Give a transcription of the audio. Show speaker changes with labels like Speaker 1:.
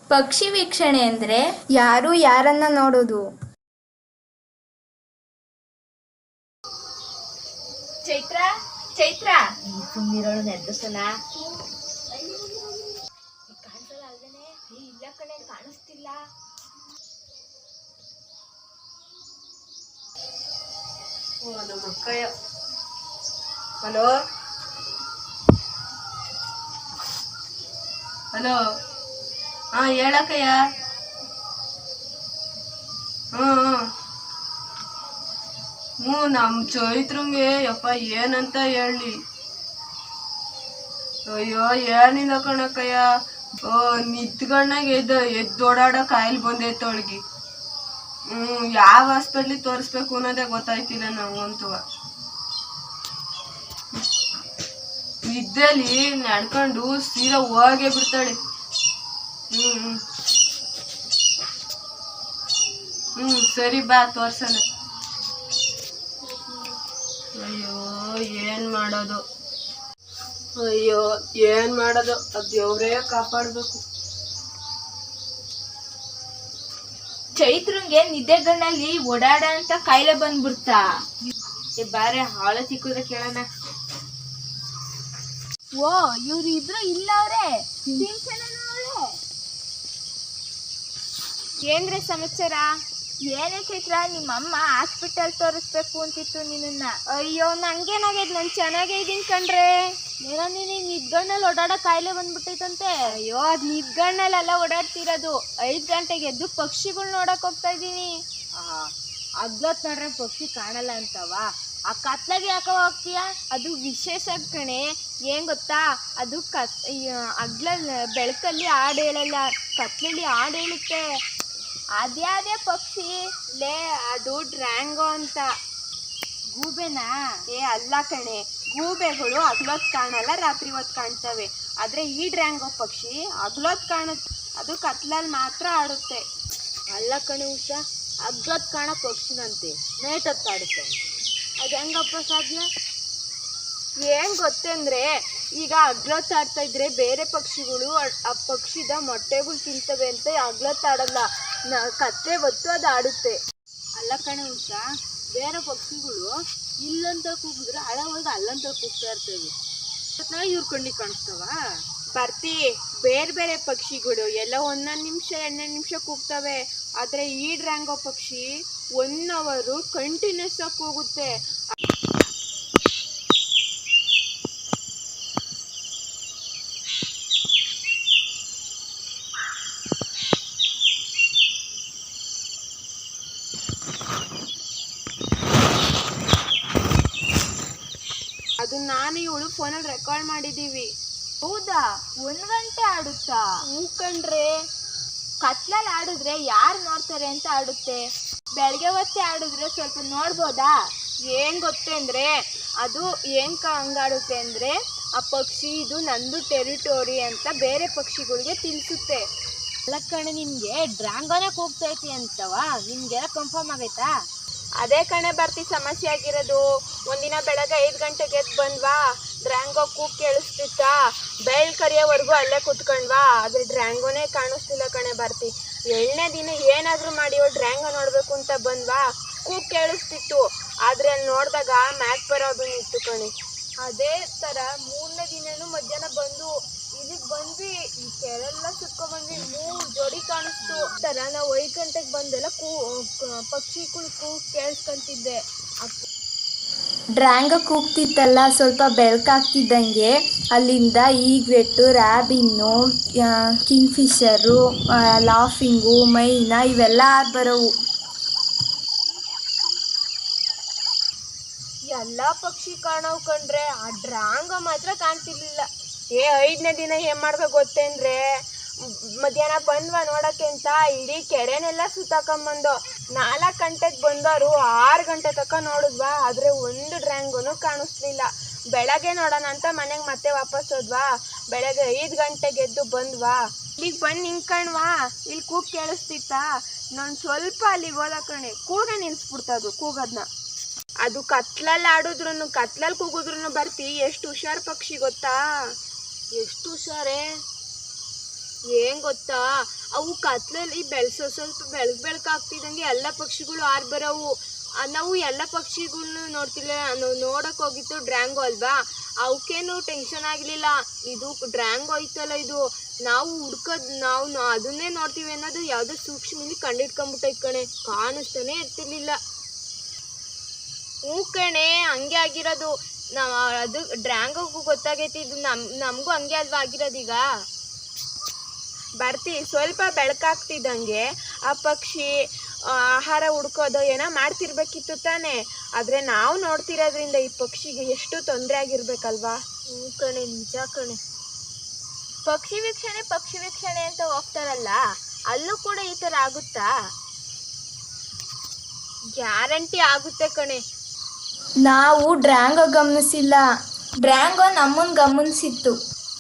Speaker 1: ಪಕ್ಷಿ ವೀಕ್ಷಣೆ ಅಂದ್ರೆ
Speaker 2: ಯಾರು ಯಾರನ್ನ ನೋಡೋದು.
Speaker 1: ಚೈತ್ರ ಚೈತ್ರ
Speaker 3: ಸುಮ್ಮನಿರೋಳು ನೆದ್ದಸಲ
Speaker 1: ಕಾಣಿಸಲ್ಲ ಅಲ್ದೇನೆ. ಇಲ್ಲ ಕಣೆ, ಕಾಣಿಸ್ತಿಲ್ಲ.
Speaker 3: ನಮ್ಮ ಅಕ್ಕಯ್ಯ. ಹಲೋ ಹಲೋ, ಹಾಂ ಹೇಳಕ್ಕಯ್ಯ. ಹ್ಞೂ ನಮ್ಮ ಚೈತ್ರಂಗೆ ಯಪ್ಪ ಏನಂತ ಹೇಳಿ. ಅಯ್ಯೋ ಏನಿಲ್ಲ ಕಣಕ್ಕಯ್ಯ, ನಿದ್ಗಣ್ಣಾಗ ಎದ್ದೋಡಾಡೋ ಕಾಯಿಲೆ ಬಂದೈತೆ ಅವಳಿಗೆ. ಯಾವ ಹಾಸ್ಪಿಟ್ಲಿಗೆ ತೋರಿಸ್ಬೇಕು ಅನ್ನೋದೇ ಗೊತ್ತಾಯ್ತಿಲ್ಲ ನಂಗಂತೂ. ನಿದ್ದೆಲಿ ನಡ್ಕೊಂಡು ಸೀದಾ ಹೋಗೇ ಬಿಡ್ತಾಳೆ. ಸರಿ ಬಾ ತೋರ್ಸೋಣ. ಅಯ್ಯೋ ಏನ್ ಮಾಡೋದು, ಅದು ದೇವ್ರೇ ಕಾಪಾಡ್ಬೇಕು.
Speaker 1: ಚೈತ್ರಂಗೆ ನಿದ್ದೆಗಣ್ಣಲ್ಲಿ ಓಡಾಡ ಅಂತ ಕಾಯಿಲೆ ಬಂದ್ಬಿಡ್ತಾ. ಬಾರೆ ಹಾಳ ಚಿಕ್ಕುದ್ರೆ ಕೇಳೋಣ. ಓ, ಇವ್ರು ಇಬ್ರು ಇಲ್ಲ ಅವ್ರೆ. ಏನ್ರೆ ಸಮಾಚಾರ? ಏನೇ ಚೈತ್ರ, ನಿಮ್ಮಮ್ಮ ಹಾಸ್ಪಿಟಲ್ ತೋರಿಸ್ಬೇಕು ಅಂತಿತ್ತು ನಿನ್ನ.
Speaker 4: ಅಯ್ಯೋ ನಂಗೇನಾಗೈತೆ, ನಾನು ಚೆನ್ನಾಗೇ ಇದ್ದೀನಿ ಕಣ್ರೆ. ಏನೋ ನೀನು ನಿದ್ಗಣ್ಣಲ್ಲಿ ಓಡಾಡೋ ಕಾಯಿಲೆ ಬಂದ್ಬಿಟ್ಟೈತಂತೆ.
Speaker 1: ಅಯ್ಯೋ, ಅದು ನಿದ್ಗಣ್ಣಲ್ಲೆಲ್ಲ ಓಡಾಡ್ತಿರೋದು. 5 ಗಂಟೆಗೆ ಎದ್ದು ಪಕ್ಷಿಗಳು ನೋಡಕ್ ಹೋಗ್ತಾ ಇದ್ದೀನಿ.
Speaker 4: ಅಗ್ಲೊತ್ ನೋಡ್ರೆ ಪಕ್ಷಿ ಕಾಣಲ್ಲ ಅಂತವ, ಆ ಕತ್ಲಾಗೆ ಯಾಕೋ ಹೋಗ್ತೀಯ?
Speaker 1: ಅದು ವಿಶೇಷ ಕಣೆ. ಏನ್ ಗೊತ್ತಾ, ಅದು ಅಗ್ಲ ಬೆಳಕಲ್ಲಿ ಹಾಡು ಹೇಳಲ್ಲ, ಕತ್ಲಲ್ಲಿ ಹಾಡು ಹೇಳುತ್ತೆ. ಅದೇ ಪಕ್ಷಿ ಲೇ, ಅದು ಡ್ರ್ಯಾಂಗೋ ಅಂತ.
Speaker 4: ಗೂಬೆನಾ?
Speaker 1: ಅಲ್ಲ ಕಣೆ, ಗೂಬೆಗಳು ಹಗ್ಲೊತ್ತು ಕಾಣಲ್ಲ, ರಾತ್ರಿ ಹೊತ್ತು ಕಾಣ್ತವೆ. ಆದ್ರೆ ಈ ಡ್ರ್ಯಾಂಗೋ ಪಕ್ಷಿ ಹಗ್ಲೊತ್ತು ಕಾಣುತ್ತೆ, ಅದು ಕತ್ಲಲ್ಲಿ ಮಾತ್ರ ಆಡುತ್ತೆ.
Speaker 4: ಅಲ್ಲ ಕಣೆ ಉಷಾ, ಅಗ್ಲೊತ್ತು ಕಾಣೋ ಪಕ್ಷಿನಂತೆ ನೈಟ್ ಹೊತ್ತಾಡುತ್ತೆ. ಅದು ಹೆಂಗಪ್ಪ ಸಾಧ್ಯ?
Speaker 1: ಏನ್ ಗೊತ್ತಂದ್ರೆ, ಈಗ ಹಗ್ಲೊತ್ತಾಡ್ತಾ ಇದ್ರೆ ಬೇರೆ ಪಕ್ಷಿಗಳು ಆ ಪಕ್ಷಿದ ಮೊಟ್ಟೆಗಳು ತಿಂತವೆ ಅಂತ ಹಗ್ಲೊತ್ತಾಡಲ್ಲ, ಕತ್ತೆ ಹೊತ್ತು ಅದು ಆಡುತ್ತೆ.
Speaker 4: ಅಲ್ಲ ಕಣೆ ಉಷಾ, ಬೇರೆ ಪಕ್ಷಿಗಳು ಇಲ್ಲಂತ ಕೂಗಿದ್ರೆ ಹೋಗಿ ಅಲ್ಲಂತ ಕೂಗ್ತಾ ಇರ್ತೇವೆ. ಇವ್ರ ಕಣ್ಣಿಗೆ ಕಾಣಿಸ್ತಾವ?
Speaker 1: ಬರ್ತಿ, ಬೇರೆ ಬೇರೆ ಪಕ್ಷಿಗಳು ಎಲ್ಲ 1 ನಿಮಿಷ 2 ನಿಮಿಷ ಕೂಗ್ತವೆ. ಆದ್ರೆ ಈ ಡ್ರ್ಯಾಂಗೋ ಪಕ್ಷಿ 1 ಅವರ್ ಕಂಟಿನ್ಯೂಸ್ ಆಗಿ ಕೂಗುತ್ತೆ. ಅದು ನಾನು ಇವಳು ಫೋನಲ್ಲಿ ರೆಕಾರ್ಡ್ ಮಾಡಿದೀವಿ.
Speaker 4: ಹೌದಾ? 1 ಗಂಟೆ ಆಡುತ್ತಾ?
Speaker 1: ಹೂ ಕಣ್ರೆ.
Speaker 4: ಕತ್ಲಲ್ಲಿ ಆಡಿದ್ರೆ ಯಾರು ನೋಡ್ತಾರೆ ಅಂತ ಆಡುತ್ತೆ.
Speaker 1: ಬೆಳಗ್ಗೆ ಹೊತ್ತೇ ಆಡಿದ್ರೆ ಸ್ವಲ್ಪ ನೋಡ್ಬೋದಾ? ಏನ್ ಗೊತ್ತಂದ್ರೆ, ಅದು ಹಂಗಾಡುತ್ತೆ ಅಂದ್ರೆ, ಆ ಪಕ್ಷಿ ಇದು ನಂದು ಟೆರಿಟೋರಿ ಅಂತ ಬೇರೆ ಪಕ್ಷಿಗಳಿಗೆ ತಿಳಿಸುತ್ತೆ.
Speaker 4: ಅಲ್ಲ ಕಣೆ, ನಿನ್ಗೆ ಡ್ರ್ಯಾಂಗೋನೇ ಕೂಗ್ತೈತಿ ಅಂತವ, ನಿನ್ಗೆಲ್ಲ ಕನ್ಫರ್ಮ್ ಆಗೈತಾ?
Speaker 1: ಅದೇ ಕಣೆ ಬರ್ತಿ ಸಮಸ್ಯೆ ಆಗಿರೋದು. ಒಂದಿನ ಬೆಳಗ್ಗೆ 5 ಗಂಟೆಗೆ ಎದ್ದು ಬಂದ್ವಾ, ಡ್ರ್ಯಾಂಗೋ ಕೂಗ್ ಕೇಳಿಸ್ತಿತ್ತಾ, ಬೆಳ್ ಕರಿಯೋವರೆಗೂ ಅಲ್ಲೇ ಕುತ್ಕೊಂಡ್ವಾ, ಆದ್ರೆ ಡ್ರ್ಯಾಂಗೋನೇ ಕಾಣಿಸ್ತಿಲ್ಲ ಕಣೆ ಬರ್ತಿ. 7ನೇ ದಿನ ಏನಾದ್ರೂ ಮಾಡಿ ಡ್ರ್ಯಾಂಗೋ ನೋಡ್ಬೇಕು ಅಂತ ಬಂದ್ವಾ, ಕೂಗ್ ಕೇಳಿಸ್ತಿತ್ತು, ಆದ್ರೆ ಅಲ್ಲಿ ನೋಡಿದಾಗ ಮ್ಯಾಕ್ ಬರೋದು ಇತ್ತು ಕಣೆ. ಅದೇ ತರ 3ನೇ ದಿನನೂ ಮಧ್ಯಾಹ್ನ ಬಂದು ಇಲ್ಲಿಗೆ ಬಂದ್ವಿ, ಈ ಕೆರೆಲ್ಲ ಸುತ್ಕೊಂಡ್ಬಂದ್ವಿ, 3 ಜೋಡಿ ಕಾಣಿಸ್ತು. ತರ ನಾವು 5 ಗಂಟೆಗೆ ಬಂದೆಲ್ಲ ಪಕ್ಷಿಗಳು ಕೂಗ್ ಕೇಳಿಸ್ಕೊಂತಿದ್ದೆ.
Speaker 2: ಡ್ರ್ಯಾಂಗೋ ಕೂಗ್ತಿತ್ತಲ್ಲ, ಸ್ವಲ್ಪ ಬೆಳಕಾಗ್ತಿದ್ದಂಗೆ ಅಲ್ಲಿಂದ ಈಗ್ವೆಟ್ಟು, ರ್ಯಾಬಿನ್ನು, ಕಿಂಗ್ಫಿಷರು, ಲಾಫಿಂಗು, ಮೈನಾ ಇವೆಲ್ಲ ಬರೋವು.
Speaker 1: ಎಲ್ಲ ಪಕ್ಷಿ ಕಾಣವ್ ಕಂಡ್ರೆ, ಆ ಡ್ರ್ಯಾಂಗೋ ಮಾತ್ರ ಕಾಣ್ತಿರ್ಲಿಲ್ಲ. 5ನೇ ದಿನ ಏನ್ ಮಾಡ್ಬೇಕು ಗೊತ್ತೇಂದ್ರೆ, ಮಧ್ಯಾಹ್ನ ಬಂದ್ವಾ ನೋಡಕ್ಕೆ ಅಂತ ಇಡೀ ಕೆರೆನೆಲ್ಲ ಸುತ್ತಾಕೊಂಬಂದು 4 ಗಂಟೆಗೆ ಬಂದವರು 6 ಗಂಟೆ ತನಕ ನೋಡಿದ್ವಾ, ಆದ್ರೆ ಒಂದು ಡ್ರ್ಯಾಂಗೋನು ಕಾಣಿಸ್ಲಿಲ್ಲ. ಬೆಳಗ್ಗೆ ನೋಡೋಣ ಅಂತ ಮನೆಗೆ ಮತ್ತೆ ವಾಪಸ್ ಹೋದ್ವಾ, ಬೆಳಗ್ಗೆ 5 ಗಂಟೆಗೆ ಎದ್ದು ಬಂದ್ವಾ, ಇಲ್ಲಿಗೆ ಬಂದು ನಿಂತ್ಕಣ್ವಾ, ಇಲ್ಲಿ ಕೂಗ್ ಕೇಳಿಸ್ತಿತ್ತಾ, ನಾನು ಸ್ವಲ್ಪ ಅಲ್ಲಿಗೆ ಹೋದ ಕಣೆ, ಕೂಗೆ ನಿಲ್ಸ್ಬಿಡ್ತದು ಕೂಗೋದ್ನ. ಅದು ಕತ್ಲಲ್ಲಿ ಆಡಿದ್ರು, ಕತ್ಲಲ್ಲಿ ಕೂಗಿದ್ರು ಬರ್ತಿ ಎಷ್ಟು ಹುಷಾರ್ ಪಕ್ಷಿ ಗೊತ್ತಾ?
Speaker 4: ಎಷ್ಟು ಹುಷಾರೇ.
Speaker 1: ಏನ್ ಗೊತ್ತಾ, ಅವು ಕತ್ಲಲ್ಲಿ ಸ್ವಲ್ಪ ಬೆಳಕಾಗ್ತಿದ್ದಂಗೆ ಎಲ್ಲ ಪಕ್ಷಿಗಳು ಹಾರ್ ಬರವು. ನಾವು ಎಲ್ಲ ಪಕ್ಷಿಗಳ್ನು ನೋಡ್ತಿಲ್ಲ, ನಾವು ನೋಡಕ್ ಹೋಗಿತ್ತು ಡ್ರ್ಯಾಂಗೋ ಅಲ್ವಾ, ಅವಕ್ಕೇನು ಟೆನ್ಷನ್ ಆಗ್ಲಿಲ್ಲ. ಇದು ಡ್ರ್ಯಾಂಗೋ ಐತಲ್ಲ, ಇದು ನಾವು ನಾವು ಅದನ್ನೇ ನೋಡ್ತೀವಿ ಅನ್ನೋದು ಯಾವ್ದೋ ಸೂಕ್ಷ್ಮಲ್ಲಿ ಕಂಡಿಡ್ಕೊಂಬಿಟ್ಟೈತ್ ಕಣೆ, ಕಾಣಿಸ್ತಾನೆ ಇರ್ತಿರ್ಲಿಲ್ಲ. ಹ್ಞೂ ಕಣೆ, ಹಂಗೆ ಆಗಿರೋದು. ಅದು ಡ್ರ್ಯಾಂಗೋಗೂ ಗೊತ್ತಾಗೈತಿ, ಇದು ನಮಗೂ ಹಂಗೆ ಅಲ್ವಾ ಆಗಿರೋದೀಗ. ಬರ್ತಿ ಸ್ವಲ್ಪ ಬೆಳಕಾಗ್ತಿದ್ದಂಗೆ ಆ ಪಕ್ಷಿ ಆಹಾರ ಹುಡ್ಕೋದು ಏನೋ ಮಾಡ್ತಿರ್ಬೇಕಿತ್ತು ತಾನೆ, ಆದರೆ ನಾವು ನೋಡ್ತಿರೋದ್ರಿಂದ ಈ ಪಕ್ಷಿಗೆ ಎಷ್ಟು ತೊಂದರೆ ಆಗಿರ್ಬೇಕಲ್ವಾ. ಹ್ಞೂ ಕಣೆ, ನಿಜ ಕಣೆ. ಪಕ್ಷಿ ವೀಕ್ಷಣೆ ಅಂತ ಹೋಗ್ತಾರಲ್ಲ, ಅಲ್ಲೂ ಕೂಡ ಈ ಥರ ಆಗುತ್ತಾ? ಗ್ಯಾರಂಟಿ ಆಗುತ್ತೆ ಕಣೆ.
Speaker 2: ನಾವು ಡ್ರ್ಯಾಂಗೋ ಗಮನಿಸಿಲ್ಲ, ಡ್ರ್ಯಾಂಗೋ ನಮ್ಮನ್ನು ಗಮನಿಸಿತ್ತು.